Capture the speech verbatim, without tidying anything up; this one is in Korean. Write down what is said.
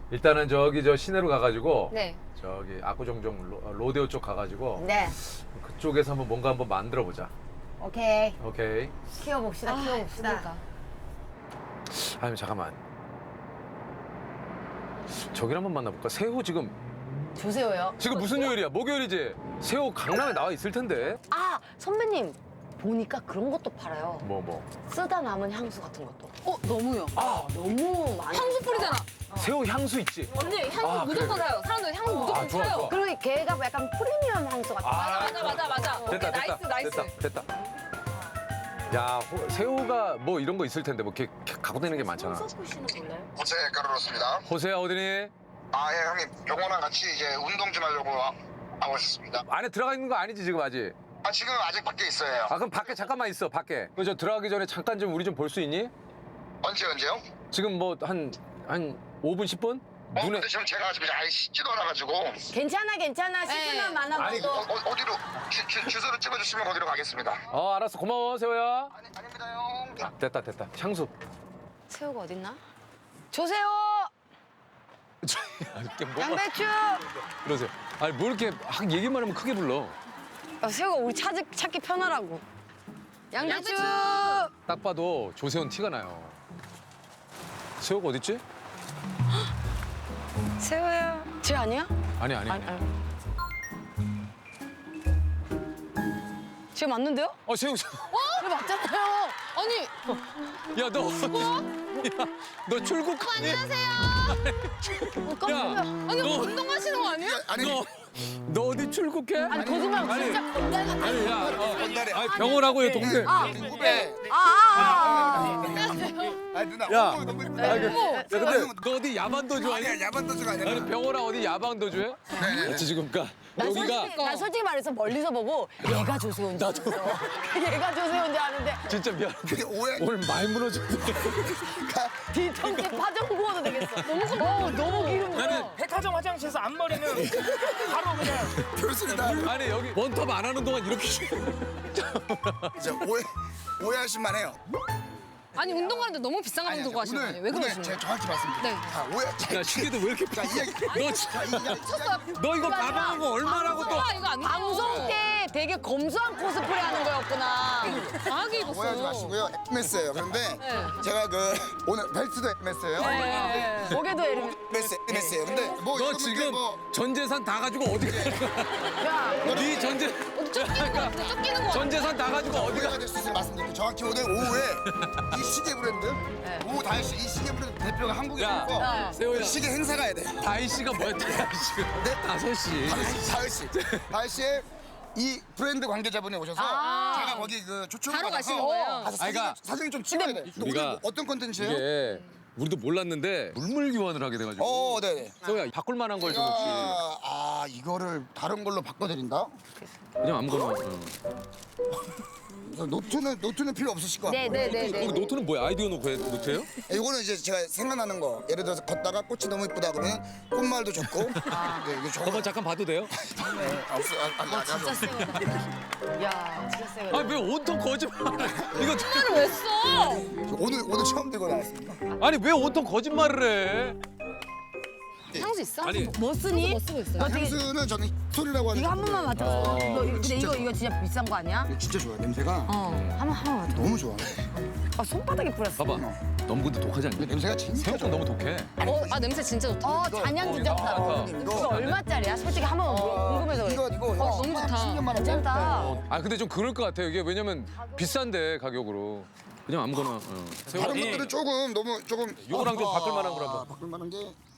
일단은 저기 저 시내로 가가지고 네. 저기 압구정동 로, 로데오 쪽 가가지고 네. 그쪽에서 한번 뭔가 한번 만들어 보자. 오케이. 오케이. 키워봅시다. 아, 키워봅시다. 그러니까. 아니 잠깐만. 저기를 한번 만나볼까? 새우 지금 조세호요. 지금 무슨 요일이야? 목요일이지? 새우 강남에 나와 있을 텐데. 아 선배님 보니까 그런 것도 팔아요. 뭐 뭐. 쓰다 남은 향수 같은 것도. 어, 너무요. 아 너무 많이. 향수 뿌리잖아. 새우 향수 있지? 언니, 향수 아, 무조건 그래. 사요. 사람들 향수 무조건 아, 좋아, 사요. 좋아. 그리고 걔가 약간 프리미엄 향수 같은 거. 아, 맞아, 맞아, 맞아. 오케이, 됐다, 나이스, 됐다, 나이스. 됐다, 됐다. 야, 호- 새우가 뭐 이런 거 있을 텐데 뭐 이렇게 갖고 다니는 게 많잖아. 손석구 씨는 몰라요? 호세 까르로스입니다. 호세야 어디니? 아, 예, 형님. 병원랑 같이 이제 운동 좀 하려고 와- 하고 있습니다. 안에 들어가 있는 거 아니지 지금 아직? 아, 지금 아직 밖에 있어요. 아 그럼 밖에 잠깐만 있어 밖에. 그 저 들어가기 전에 잠깐 좀 우리 좀 볼 수 있니? 언제, 언제요? 지금 뭐 한 한 오 분 십 분? 어, 눈에 근데 지금 제가 지금 아예 씻지도 않아가지고. 괜찮아 괜찮아. 씻으면 많아 아니, 보도. 어, 어, 어디로, 주, 주, 주소를 찍어주시면 거기로 가겠습니다. 어 알았어 고마워 세호야. 아니, 아닙니다, 형. 자, 됐다 됐다 향수. 새우가 어딨나? 조세호. 이게 뭐가 양배추. 그러세요. 아니 뭐 이렇게 막 얘기만 하면 크게 불러. 아, 새우가 우리 찾, 찾기 편하라고. 양배추. 양배추. 딱 봐도 조세훈 티가 나요. 새우가 어딨지? 새우야. 쟤 아니야? 아니 아니. 아니 아니. 쟤 맞는데요? 어 새우. 새우. 쟤 맞잖아요. 아니, 야 너. 야, 너 출국. 안녕하세요. 어, 깜짝이야. 아니, 너- 운동하시는 거 아니에요? 아니, 너. 너 어디 출국해? 아니 거짓말 아니. 진짜 건달 같아. 아니 야. 어, 건달에. 아니 병원하고요 동생. 아, 후배. 아, 아, 아. 아니, 누나. 야. 어, 너무 예쁘다. 아, 그, 야, 근데 너 어디 야반 도주 아니야? 아니야, 야반 도주가 아니라. 아니 병원아 어디 야방 도주해? 네. 어찌 지금 가? 난 여기가 솔직히, 난 솔직히 말해서 멀리서 보고 얘가 조세호인 줄 알았어. 얘가 조세호인 줄 아는데 진짜 미안. 근데 오해. 오늘 많이 무너졌네. 뒤통수 파전 구워도 되겠어. 너무 어, 너무 기름. 나는 백화점 화장실에서 앞머리는 바로 그냥 그렇습니다. 아니 여기 원톱 안 하는 동안 이렇게 이제 오해, 오해하실만 해요. 아니, 운동 가는데 너무 비싼 거 아니, 운동 가시는 거 아니에요? 왜 오늘 그러시는 제가 거예요? 정확히 말씀드릴게요. 네. 자, 오해. 야 시계도 왜 이렇게 자, 이야기. 너 진짜 자, 이 이야기. 너 이거 가방하고 얼마라고 또 아, 이거 아니에요. 방송 때 되게 검소한 코스프레 하는 거였구나. 강하게 오해하지 입었어요. 마시고요. 엠에스예요. 그런데 제가 그 오늘 벨트도 엠에스예요. 네. 목에도 에르. 엠에스, 엠에스예요. 근데 뭐 너 여러분들 지금 뭐 전 재산 다 가지고 어디 가? 야, 네 전재 쫓기는 거 같아, 쫓기는 거 같아. 전 재산 다 가지고 어디 가? 오해가 될 수 있으면 말씀드릴게요. 정확히 오늘 오후에 이 시계 브랜드 오후 다이 씨 이 시계 브랜드 대표가 한국에 야, 오고 세호야. 시계 행사 가야 돼. 다희 씨가 뭐야? 다희 씨가 네? 다섯 시. 다이 씨, 다이 씨의 이 브랜드 관계자분이 오셔서 제가 거기 그 초청을 바로 받아서 가시는 거예요? 가서 사진, 아이가- 사진 좀 찍어야 돼. 근데 오늘 우리가 뭐 어떤 컨텐츠예요? 이게 우리도 몰랐는데 물물 교환을 하게 돼가지고. 어, 네네. 세호야 바꿀 만한 걸 좀 혹시 아, 아, 이거를 다른 걸로 바꿔드린다? 그냥 아무거나. 응. 그래서 노트는 노트는 필요 없으실 것 같고. 네, 네, 네, 네. 거기 노트는 뭐야? 아이디어 놓고 해 노트예요? 이거는 이제 제가 생각나는 거. 예를 들어서 걷다가 꽃이 너무 이쁘다 그러면 꽃말도 적고. 네, 이게 적어. 한번 잠깐 봐도 돼요? 네, 없어. 아, 아, 아, 진짜 세우다. 야, 진짜 세우다. 아니 왜 온통 거짓말? 이거 이거를 왜 써? 오늘 오늘 처음 들고 나왔습니다. 아니 왜 온통 거짓말을 해? 향수 있어? 아니 뭐 쓰니? 뭐 쓰고 있어요? 향수는 저는 소리라고 하는. 이거 한 번만 맡아봐. 이거, 이거, 근데 이거, 이거 진짜 비싼 거 아니야? 진짜 좋아. 냄새가 어, 한 번, 한 번 맡아. 너무 좋아. 아, 손바닥에 뿌렸어. 봐봐. 너무 근데 독하지 않냐? 근데 냄새가 진짜 새우 좀 너무 독해. 어, 아, 냄새 진짜 좋다. 어, 잔향 진짜다. 어, 이거, 이거- 얼마짜리야? 솔직히 한 번 궁금해서 그래. 이거 이거 어, 너무 좋다. 십 년만 원. 괜찮다. 아 근데 좀 그럴 것 같아요. 이게 왜냐면 비싼데 가격으로. 그냥 아무거나. 어. 새우. 다른 것들은 조금 너무 조금. 요거랑 좀 바꿀 만한 거 아, 한번. 바꿀 만한 게